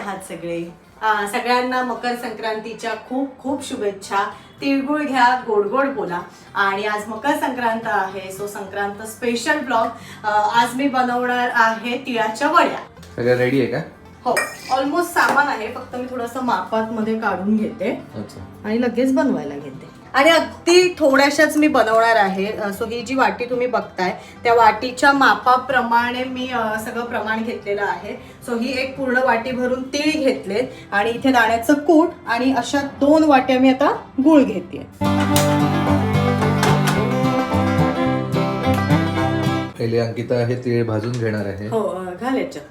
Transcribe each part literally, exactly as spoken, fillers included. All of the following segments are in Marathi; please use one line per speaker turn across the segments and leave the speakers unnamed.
आहात सगळे? आ, सगळ्यांना मकर संक्रांतीच्या खूप खूप शुभेच्छा. तिळगुळ घ्या, गोड गोड बोला. आणि आज मकर संक्रांत आहे, सो संक्रांत स्पेशल ब्लॉग. आज मी बनवणार आहे तिळाच्या वड्या.
सगळं रेडी आहे का?
हो, ऑलमोस्ट सामान आहे, फक्त मी थोडंसं मापात मध्ये काढून घेते आणि लगेच बनवायला घेते. आणि अगदी थोड्याशाच मी बनवणार आहे. सो ही जी वाटी तुम्ही बघताय त्या वाटीच्या मापाप्रमाणे मी सगळं प्रमाण घेतलेलं आहे. सो ही एक पूर्ण वाटी भरून तीळ घेतलेत आणि इथे दाण्याचं कूट आणि अशा दोन वाट्या मी आता गुळ घेते.
पहिले अंकिता हे तीळ भाजून घेणार आहे.
हो, घाल याच्यात.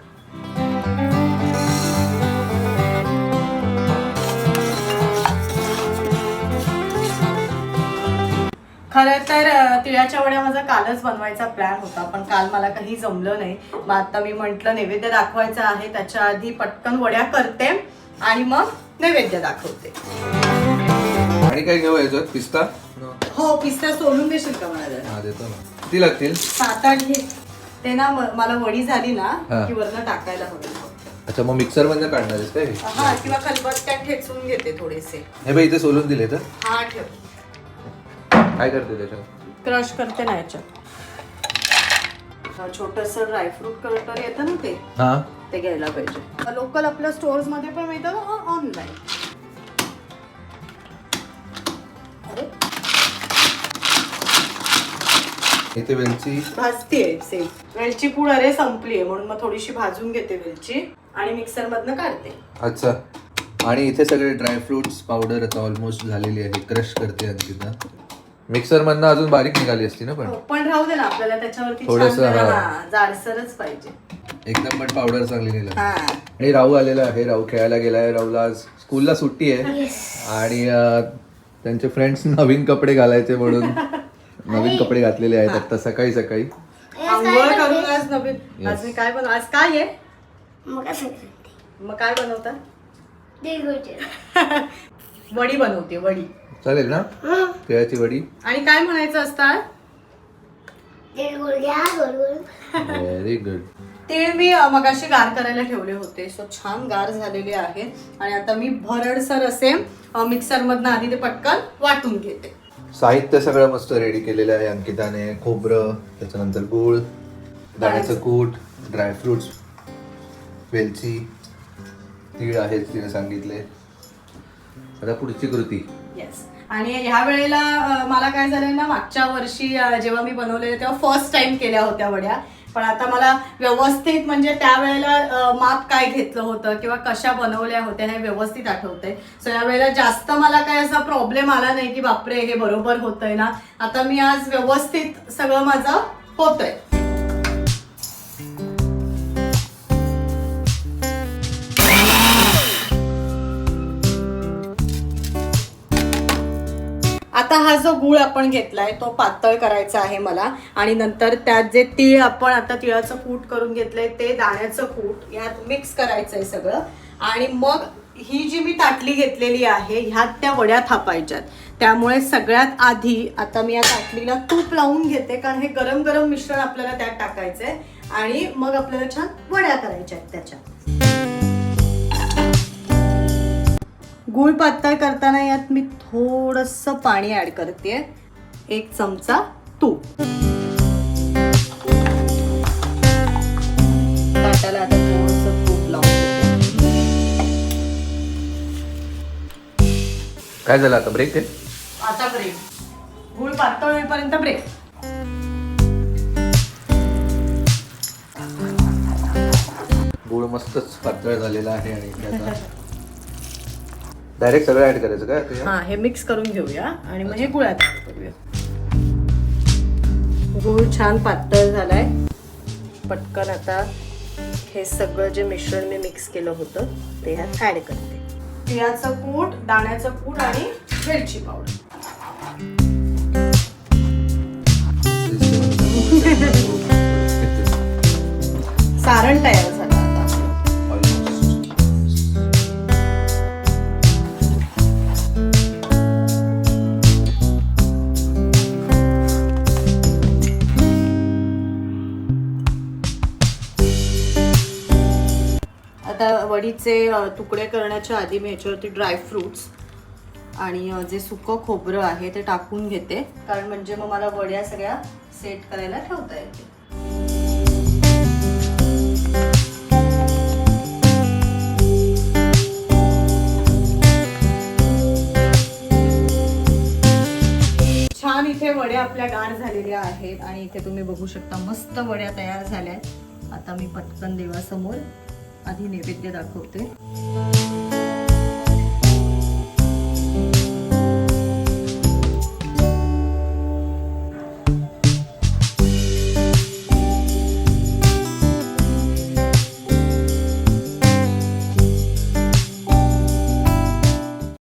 खरं तर तिळाच्या वड्या माझा कालच बनवायचा प्लॅन होता, पण काल मला काही जमलं नाही. मग आता मी म्हटलं नैवेद्य दाखवायचं आहे, त्याच्या आधी पटकन वड्या करते आणि मग नैवेद्य दाखवते.
आणि काय घेऊ याच्यात? पिस्ता?
हो, पिस्ता सोलून देशील का मला?
हा, देतो ना. किती लागतील?
सात आठ घे. ते ना मला वडी झाली ना की वरनं टाकायला हवी.
अच्छा, मग मिक्सर मध्ये काढणार आहेस काय?
हा, किंवा खलबत्त्यात ठेचून घेते थोडेसे.
हे बाई इथे सोलून दिले तर?
हा, ठेव.
काय करते त्याच्यात?
क्रश करते ना याच्यात. छोटस ड्रायफ्रूट कटर येतं ना ते
हा,
ते घ्यायला पाहिजे. लोकल आपल्या स्टोर्स मध्ये पण मिळतं, ऑनलाईन.
इथे वेलची
भाजतीये सेम. वेलची पूड अरे संपली आहे, म्हणून मग थोडीशी भाजून घेते वेलची आणि मिक्सर मधनं काढते.
अच्छा, आणि इथे सगळे ड्रायफ्रुट्स पावडर आता ऑलमोस्ट झालेली आहे. क्रश करते अंकिता. मिक्सर मधनं अजून बारीक निघाली असती ना, पण
पण राहू दे ना, आपल्याला त्याच्यावरती
थोडंसं,
छान
हा.
जरा जाडसरच पाहिजे
एकदम पण पावडर चांगली नाही लागली.
हा.
आणि राहू आलेला आहे. राहू खेळायला गेलाय. राहूला आज स्कूलला सुट्टी आहे आणि अं, त्यांचे फ्रेंड्स नवीन कपडे घालायचे म्हणून नवीन कपडे घातलेले आहेत आता सकाळी सकाळी.
आंघोळ करून आज नवीन. आज मी काय बनव आज काय आहे? मग काय बनवता? वडी बनवते. वडी
चालेल ना? तिळाची वडी.
आणि काय म्हणायचं असतं?
Very good.
तीळ मी मगाशी गार करायला ठेवले होते, सो छान गार झालेले आहे. आणि आता मी भरडसर असे मिक्सर मधनं आधी ते पटकन वाटून घेते.
साहित्य सगळं मस्त रेडी केलेलं आहे अंकिताने. खोबरं, त्याच्यानंतर गूळ, दाण्याचं कूट, ड्रायफ्रुट्स, वेलची, तीळ आहेत तिने सांगितले. आता पुढची कृती.
येस. आणि ह्या वेळेला मला काय झालं ना, मागच्या वर्षी जेव्हा मी बनवलेले तेव्हा फर्स्ट टाइम केल्या होत्या वड्या, पण आता मला व्यवस्थित म्हणजे त्यावेळेला माप काय घेतलं होतं किंवा कशा बनवल्या होत्या हे व्यवस्थित आठवतंय. सो या वेळेला जास्त मला काय असा प्रॉब्लेम आला नाही की बापरे हे बरोबर होतंय ना. आता मी आज व्यवस्थित सगळं माझं होतंय. आता हा जो गूळ आपण घेतलाय तो पातळ करायचा आहे मला. आणि नंतर त्यात जे तीळ आपण आता तिळाचं कूट करून घेतलंय ते दाण्याचं कूट ह्यात मिक्स करायचंय सगळं. आणि मग ही जी मी ताटली घेतलेली आहे ह्यात त्या वड्या थापायच्यात. त्यामुळे सगळ्यात आधी आता मी या ताटलीला तूप लावून घेते, कारण हे गरम गरम मिश्रण आपल्याला त्यात टाकायचंय आणि मग आपल्याला छान वड्या करायच्या आहेत त्याच्यात. गूळ पातळ करताना यात मी थोडंसं पाणी ऍड करते. एक चमचा तूप. ताटाला आता थोडंसं तूप लावून.
काय झालं आता? ब्रेक आहे
आता ब्रेक. गूळ पातळ होईपर्यंत ब्रेक.
गूळ मस्तच पातळ झालेला आहे आणि आता डायरेक्ट सगळं ऍड करायचं काय?
हा, हे मिक्स करून घेऊया आणि मग हे गुळात करूया. गूळ छान पातळ झालाय. पटकन आता हे सगळं जे मिश्रण मी मिक्स केलं होतं ते ह्यात ऍड करते. तिळाचं कूट, दाण्याचं कूट आणि वेलची पावडर. सारण तयार झालं. आता वडीचे अ, तुकडे करण्याच्या आधी मी ह्याच्यावरती ड्रायफ्रुट्स आणि अ, जे सुकं खोबरं आहे ते टाकून घेते, कारण म्हणजे मग मला वड्या सगळ्या सेट करायला ठेवता येते. छान इथे वड्या आपल्या गार झालेल्या आहेत आणि इथे तुम्ही बघू शकता मस्त वड्या तयार झाल्या आहेत. आता मी पटकन देवासमोर आधी नैवेद्य दाखवते.